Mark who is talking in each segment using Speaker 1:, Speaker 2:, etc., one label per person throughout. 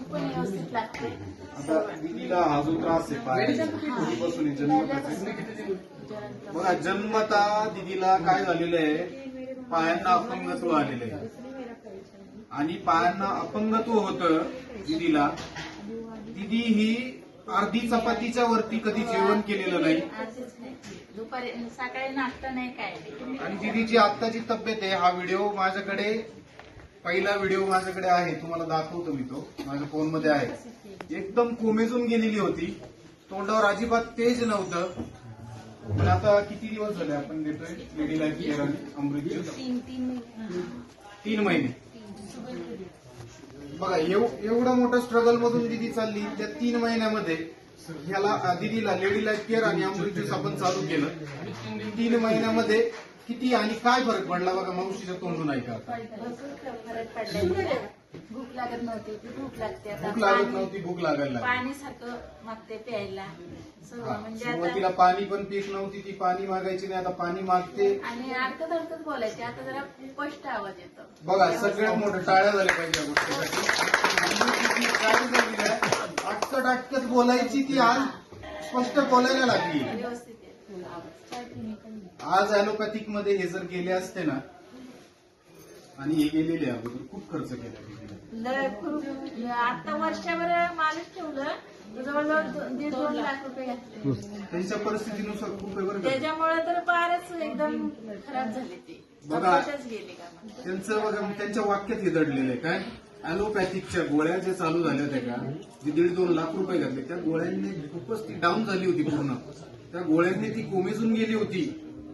Speaker 1: तूप पण व्यवस्थित लागते.
Speaker 2: आता दीदीला हा जो त्रास आहे पायाचा कधीपासून जन्मताच बघा, जन्मता दीदीला काय झालेलं आहे, पायांना अपंगत्व आलेलं आहे. आणि पायांना अपंगत्व होतं दीदीला. दीदी ही अर्धी चपातीच्या वरती कधी जेवण केलेलं नाही.
Speaker 1: दुपारी सकाळी नाश्ता नाही काय.
Speaker 2: आणि दीदीची आत्ताची तब्येत आहे. हा व्हिडिओ माझ्याकडे, पहिला व्हिडिओ माझ्याकडे आहे, तुम्हाला दाखवतो मी. तो माझ्या फोन मध्ये आहे. एकदम कोमेजून गेलेली होती, तोंडावर अजिबात तेज नव्हतं. पण आता किती दिवस झाले आपण देतोय लेडी लाईफ केअर आणि अमृत ज्यूस? 3 महिने. बघा, एवढं मोठं स्ट्रगल मधून दीदी चालली. त्या 3 महिन्यामध्ये ह्याला दीदीला लेडी लाईफ केअर आणि अमृत ज्यूस आपण चालू केलं. 3 महिन्यामध्ये किती आणि काय फरक पडला बघा, मावशीच्या तोंडून ऐका.
Speaker 1: फरक पडला. भूक लागत नव्हती, भूक लागते आता.
Speaker 2: भूक लागत नव्हती, भूक लागायला लागली.
Speaker 1: पाणी सारखं मागते प्यायला. म्हणजे
Speaker 2: सुरुवातीला पाणी पण पीत नव्हती ती, पाणी मागायची नाही, आता पाणी मागते.
Speaker 1: आणि अडकत अडकत बोलायचे, आता जरा स्पष्ट आवाज येतो.
Speaker 2: बघा, सगळ्यात मोठं टाळ्या झाल्या पाहिजे या गोष्टीसाठी. अटकत अटकत बोलायची ती, आज स्पष्ट बोलायला लागली.
Speaker 1: व्यवस्थित
Speaker 2: आज ऍलोपॅथिक मध्ये हे जर गेले असते ना, आणि हे गेलेले अगोदर खूप खर्च केला.
Speaker 1: आता वर्षभर मालिश ठेवलं, जवळजवळ 1.5-2 लाख रुपये घातले.
Speaker 2: त्यांच्या परिस्थितीनुसार खूप आहे बरं का.
Speaker 1: त्याच्यामुळे तर फारच एकदम खराब झाले ते.
Speaker 2: बघा,
Speaker 1: गेले का
Speaker 2: त्यांचं बघा, त्यांच्या वाक्यात हे दडलेलं आहे काय, ऍलोपॅथिकच्या गोळ्या ज्या चालू झाल्या होत्या का, जे 1.5-2 लाख रुपये घातले, त्या गोळ्यांनी खूपच ती डाऊन झाली होती पूर्ण. त्या गोळ्यांनी ती कोमेजून गेली होती.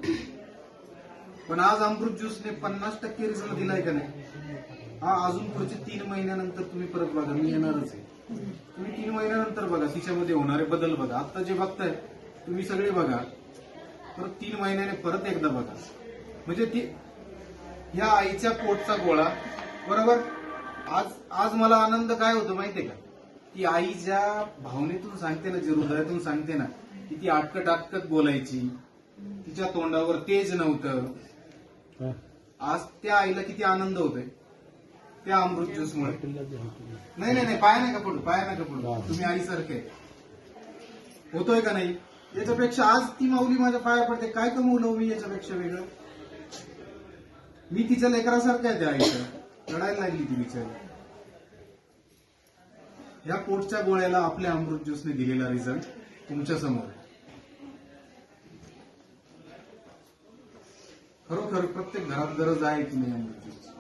Speaker 2: पण आज अमृत ज्यूसने 50% रिझल्ट दिलाय का नाही. हा अजून पुढचे 3 महिन्यानंतर तुम्ही परत बघा, मी येणारच आहे. तुम्ही 3 महिन्यानंतर बघा, तिच्यामध्ये होणारे बदल बघा. आता जे बघताय तुम्ही सगळे बघा, परत 3 महिन्याने परत एकदा बघा. म्हणजे ती ह्या आईच्या पोटचा गोळा बरोबर. आज मला आनंद काय होतो माहितीये का, ती आई ज्या भावनेतून सांगते ना, जे हृदयातून सांगते ना, की ती अटकत अटकत बोलायची, तिच्या तोंडावर तेज नव्हतं. आज त्या आईला किती आनंद होतोय त्या अमृत ज्यूस मुळे. नाही नाही नाही, पाय नाही का पडू, पाय नाही का पडू, तुम्ही आईसारखे होतोय का नाही. याच्यापेक्षा आज ती माऊली माझ्या पाया पडते, काय कमवलं मी याच्यापेक्षा वेगळं. मी तिच्या लेकरासारखं आहे त्या आईचं. रडायला लागली ती बिचारी. ह्या पोटच्या गोळ्याला आपल्या अमृत ज्यूसने दिलेला रिझल्ट तुमच्या समोर. खरोखर प्रत्येक घरात गरज आहे की नाही अमृत ज्यूस.